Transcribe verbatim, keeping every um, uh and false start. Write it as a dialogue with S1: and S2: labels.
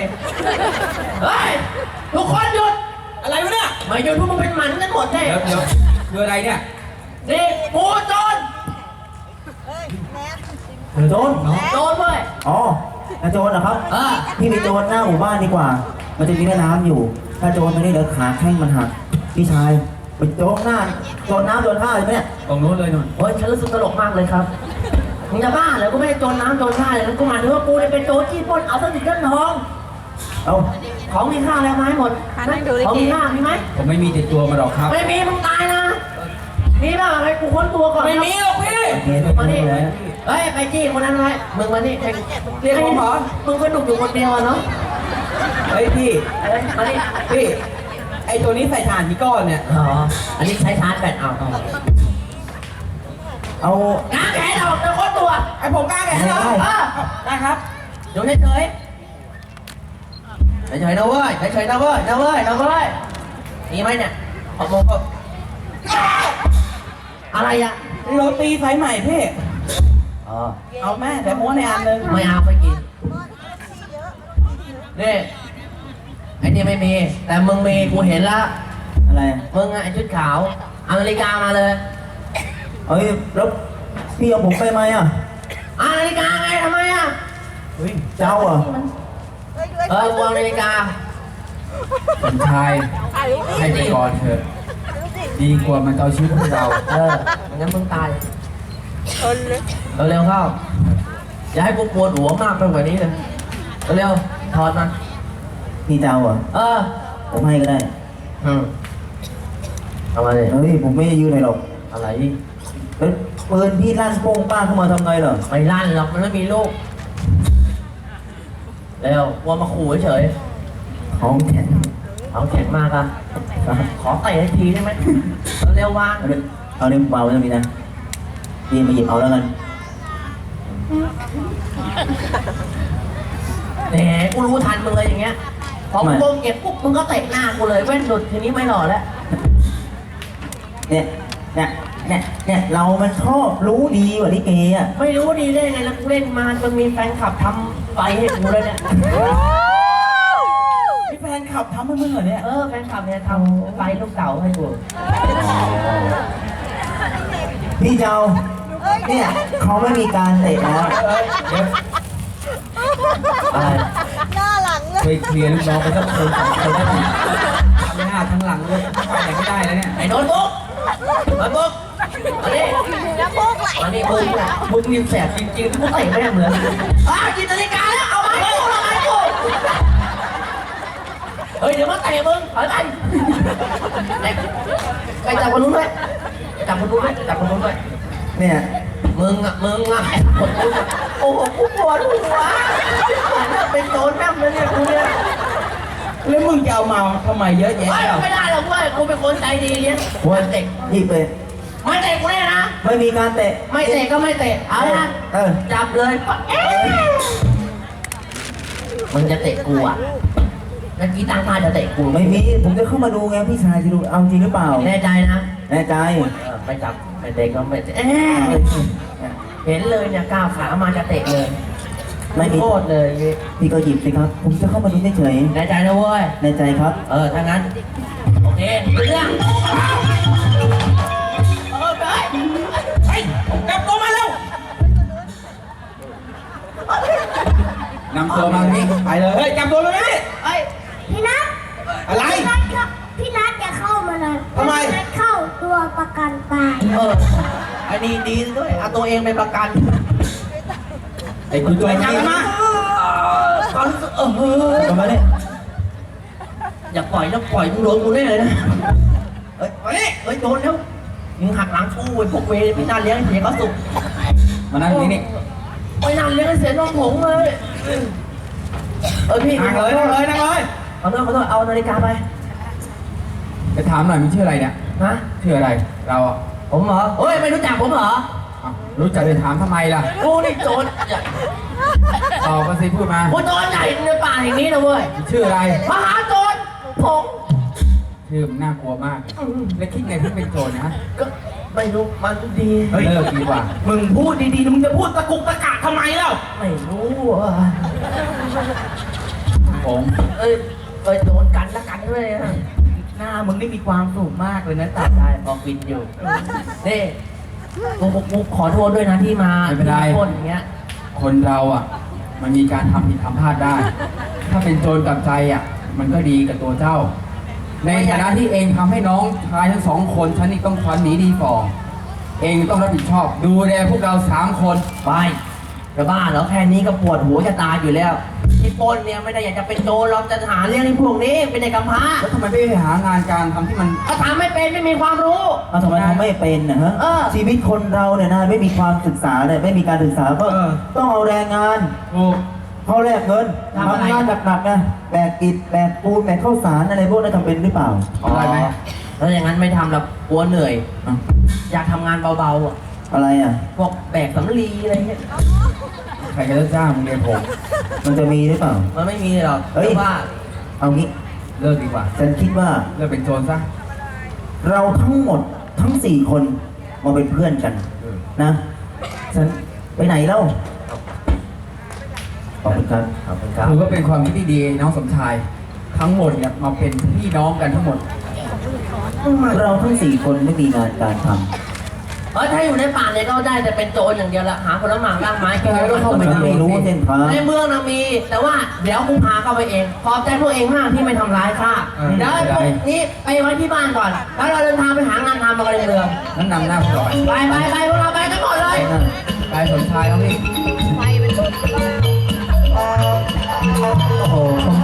S1: เฮ้ยทุกคนหยุด
S2: อะไรวะเนี่ย
S1: มาหยุดพวกมึงเป็นหมันกันหมดแน่
S2: เดี๋ยวเดี๋ยวคืออะไรเนี่ย
S1: นี่กูโจร
S3: โจร
S1: โจรเว้ย
S3: อ๋อโจรเหรอครับ
S1: เออ
S3: พี่ไปโจรหน้าหมู่บ้านดีกว่า มันจะมีแม่น้ำอยู่ ถ้าโจรไปนี่เดี๋ยวขาแข้งมันหักพี่ชายไปโจรหน้าโจรน้ำโจรท่าเลยไหมเนี่ย
S2: ตรงนู้นเลยนุ่น
S1: โอ้ยฉันรู้สึกตลกมากเลยครับมึงจะบ้าเหรอกูไม่ได้โจรน้ำโจรท่าเลยนะกูหมายถึงว่ากูเนี่ยเป็นโจรจี้ปล้นเอาทรัพย์สินเงินทอง
S3: เอา
S1: ของมีค่าแล้วไหมหมดของมีค่ามีไหม
S2: ผมไม่มีติดตัวมาหรอกครับ
S1: ไม่มีมึงตายนะมีป่ะไอ้กูค้นตัวก่อน
S2: ไม่มีหรอกพี่
S3: โอเค
S1: มา
S3: ไม่
S1: นี่
S3: เป็นไร
S1: เฮ้ยไปจี้คนนั้นไว้มึงมานี่
S2: เรียกผมเหรอ
S1: มึงก็ดุอยู่คนเดียวอะเนาะ
S2: เฮ้ยพี่
S1: เอ้ยมานี่
S2: พี่ไอตัวนี้ใส่ถ่านกี่ก้อนเนี่ย
S1: อ๋ออันนี้ใช้ชาร์จแบตเอา
S3: เอา
S1: ง้างแขนออกจะค้นตัว
S2: ไอผมกล้าแกเหรอ
S1: เออ
S2: ได้ครับ
S1: อยู่เฉยเฉยเฉยๆนะเว้ยเฉยๆนะเว้ยนะเว้ยนะเว้ยมีไหมเนี่ยขอบมงก็อะไรอะ
S2: โรตีสายใหม่พี่
S1: อ๋อ
S2: เอาแม่แต่ม้วนในอันนึง
S1: ไม่เอาไม่กินนี่ไอ้นี่ไม่มี แต่มึงมีกูเห็นละ
S3: อะไร
S1: มึงอะไอ้ชุดขาวเอานาฬิกามาเลย
S3: เอ้ยแล้วพี่เอาผมไปไหมอ่ะ
S1: เอานาฬิกาไงทำไมอะ
S3: เฮ้ยเจ้าอ่ะ
S1: เออกูเอานาฬิกา
S2: สมชายให้ไปก่อนเถอะดีกว่ามันเอาชีวิตพวกเรา
S1: เอองั้นมึงตายเร็วๆเข้าอย่าให้กูปวดหัวมากไปกว่านี้เลยเร็วๆถอดมัน
S3: พี่เจ้าอ่ะ
S1: เออ
S3: ผมให้ก็ได้
S1: อืมเอามาเลย
S3: เฮ้ยผมไม่ได้ยืนไหนหรอก
S1: อะไร
S3: แล้วปืนพี่ลั่นโป้งป้างเข้ามาทำไงเหรอ
S1: ไม่ลั่นหรอกมันไม่มีลูกเร็วกลัวมาขู่เฉย
S3: ของแข็ง
S1: ๆเอาแข็งมากอะขอเตะให้ทีได้ไหมเร็วๆวาง
S3: เอาเดี๋ยวเอาเดี๋ยวเบาไว้ตรงนี้นะพี่มาหยิบเอาแล้วกัน
S1: แหมกูรู้ทันมึงเลยอย่างเงี้ยพอกูเก็บปุ๊บมึงก็เตะหน้ากูเลยเว้นหลุดทีนี้ไม่หล่อแล้ว
S3: เนี่ยเนี่ยเนี่ยเนี่ยเรามันชอบรู้ดีกว่าลิเกอ่ะ
S1: ไม่รู้ดีได้ไงแล้วกูเล่นมาจนมีแฟนคลับทำไฟให้กูเลยเนี่ย
S2: พี่แฟนขับทำให้มึงเหรอเนี่ย
S1: เออแฟนคลับเนี่ยทำไฟลูกเต๋าให้กู
S3: พี่เจ้าเนี่ยเขาไม่มีการเตะแล้ว
S2: เอ้ยเดี๋ยว
S1: อะไร
S4: หน้าหลังเลย
S2: ไปเคลียร์ลูกน้องไปสักคนสองคนได้ไหมทั้งหน้าทั้งหลังเลยไปไหนไม่ได้แล้วเนี่ย
S1: ไอ้โน้ตบุ๊กโน้ตบุ๊กมาดิ
S4: แล้วพวกไหล
S1: มาดิมึงอะมึงนี่แสบจริงๆกูเตะไม่ได้เหมือนอ้าวกินนาฬิกาแล้วเอาไม้กูเอาไม้กูเฮ้ยเดี๋ยวมาเตะมึงถอยไปไปไปจับคนนู้นด้วยจับคนนู้นด้วยจับคนนู้นด้วย
S3: เนี่ย
S1: มึงอ่ะมึงอ่ะคนนู้นอะโอ้โหกูปวดหัวเป็นโจรแม่งเลยเนี่ยกูเนี่ย
S2: แล้วมึงจะเอามาทำไมเยอะแยะ
S1: เฮ้ย
S2: อ่ะ
S1: ไม่ได้หรอกเว้ยกูเป็นคนใจดีเลี้ยง
S3: วั
S1: ไม่เตะ
S3: หยิบเลย
S1: ไม่เตะกูแน่นะ
S3: ไม่มีการเตะ
S1: ไม่เตะก็ไม่เตะเอาละ
S3: เออ
S1: จับเลยเอ๊ะมึงจะเตะกูอ่ะเมื่อกี้ตั้งท่าจะเตะกู
S3: ไม่มีผมจะเข้ามาดูไงพี่ชายจะดูเอาจริงหรือเปล่า
S1: แน่ใจนะ
S3: แน่ใจ
S1: เออไม่จับไม่เตะก็ไม่เตะเอ๊ะเห็นเลยเนี่ยก้าวขามาจะเตะเลย
S3: ไม่มี
S1: โคตรเลย
S3: พี่ก็หยิบสิครับ ผมจะเข้ามาดูเฉย
S1: แน่ใจนะเว้ย
S3: ๆแน่ใจครับ
S1: เออถ้างั้นโอเคเรื่องเออไป
S2: เฮ้ยกลับตัวมาเร็ว นำตัวมานี่ไปเลย เฮ้ยกลับตัวมานี่
S1: เอ้ย
S4: พี่นัท
S2: อะไร
S4: พี่นัทเข้าพี่นัทจะเข้ามาเลย
S2: ทำไม
S4: พี่นัทเข้าตัวประกันตาย
S1: เอออันนี้ดีด้วยเอาตัวเองเป็นประกัน
S2: ไอ้คุณตัวนี้มา
S1: ความรู้สึกเออ
S3: กลับมาเนี่ย
S1: อย่าปล่อยนะปล่อยมึงโดนกูแน่เลยนะเฮ้ยไปนี่เฮ้ยโดนแล้วมึงหักหลังกูไอ้พวกเวรไม่น่าเลี้ยงให้เสียเขาสุข
S2: มานั่งนี่นี่
S1: ไม่น่าเลี้ยงให้เสียน้องผงเลยเออพี่
S2: นั่งเลยนั่งเลยนั่งเลย
S1: ขอโทษขอโทษเอานาฬิกาไป
S2: ไปถามหน่อยมึงชื่ออะไรเนี่ย
S1: ฮะ
S2: ชื่ออะไร เราอ่ะ
S1: ผมเหรอเฮ้ยไม่รู้จักผมเหรอ
S2: อ้าวรู้จักจะถามทำไมล่ะ
S1: กูนี่โจรใหญ่
S2: ตอบมาสิพูดมา
S1: กูโจรใหญ่ในป่าแห่งนี้นะเว้ย
S2: ชื่ออะไร
S1: มหาโจรผง
S2: ชื่อมันน่ากลัวมาก แล้วคิดไงที่เป็นโจรนะ
S1: ก็ไม่รู้มันดี
S2: เลิกดีกว่า
S1: มึงพูดดีๆมึงจะพูดตะกุกตะกักทำไมเล่าไม่รู้อ่ะ
S2: ผม
S1: เอ้ยเอ้ยโดนกันละกันด้วยนะ
S5: หน้ามึงนี่มีความสุขมากเลยนะตัด
S1: ได้พอฟินอยู่นี่กูกูกูขอโทษด้วยนะที่มา
S2: ไม่เป็นไร
S1: ที่มาพ่นอย่างเงี้ย
S2: คนเราอ่ะ มันมีการทำผิดทำพลาดได้ ถ้าเป็นโจรกลับใจอ่ะ มันก็ดีกับตัวเจ้า ในฐานะที่เองทำให้น้องชายทั้งสองคนฉันนี่ต้องควันหนีดีฟองเองต้องรับผิดชอบ ดูแลพวกเราสามคน
S1: ไปจะบ้าเหรอแค่นี้ก็ปวดหัวจะตายอยู่แล้วที่ปล้นเนี่ยไม่ได้อยากจะเป็นโจรเราจะหาเรื่องที่พวกนี้เป็นเด็กกำพร้า
S2: แล้วทำไมไม่ไปหางานการทำที่มัน
S1: ถ้าทำไม่เป็นไม่มีความรู้
S3: เอาทำไมทำไม่เป็นนะฮะ
S1: เออ
S3: ชีวิตคนเราเนี่ยนะไม่มีความศึกษาเนี่ยไม่มีการศึกษาก็
S2: เออ
S3: ต้องเอาแรงงาน
S2: ถูก
S3: เขาแลกเงิน
S1: ทำอะไร
S3: ทำงานหนักๆนะแบกอิฐแบกปูนแบกข้าวสารอะไรพวกนั้นทำเป็นหรือเปล่า
S2: ได้ไหม
S1: แล้วอย่างนั้นไม่ทำหรอกกลัวเหนื่อย
S3: อ่ะ
S1: อยากทำงานเบาๆอ่ะ
S3: อะไรอ่ะ
S1: พวกแบกสำลีอะไรเงี้ย
S2: ใครจะจ้างมึงเรียนผม
S3: มันจะมีหรือเปล่า
S1: มันไม่มีหรอก
S3: เฮ้ย
S1: แต่ว่า
S3: เอางี้
S2: เลิกดีกว่า
S3: ฉันคิดว่า
S2: เลิกเป็นโจรซะ
S3: เราทั้งหมดทั้งสี่คนมาเป็นเพื่อนกัน
S2: เออ
S3: นะฉันไปไหนเล่าขอบคุณครับ
S1: ขอบคุณครับ
S2: ถือว่าเป็นความคิดที่ดีน้องสมชาย ทั้งหมดเนี่ยมาเป็นพี่น้องกันทั้งหมด
S3: เราทั้งสี่คนไม่มีงานการทำ
S1: เออถ้าอยู่ในป่าเนี่ยก็ได้แต่เป็นโจรอย่างเดียวละหาผลไม้ร่างไม้กินแล้วก็เข้าไป
S3: มัน
S1: ทำ
S3: ไม่รู้เส้นทาง
S1: ในเมืองนะมี แต่ว่าเดี๋ยวกูพาเข้าไปเองขอบใจพวกเองมากที่ไม่ทำร้ายข้า
S2: เออ
S1: เดี๋ยวไอ้พวกนี้ไปไว้ที่บ้านก่อน แล้วเราเดินทางไปหางานทำมากันในเมือง
S2: นั่นนำหน้าพวกเราไป
S1: ไปไปไปพวกเราไปกันหมดเลย
S2: ไปสมชายน้องพี่
S3: โอ้โห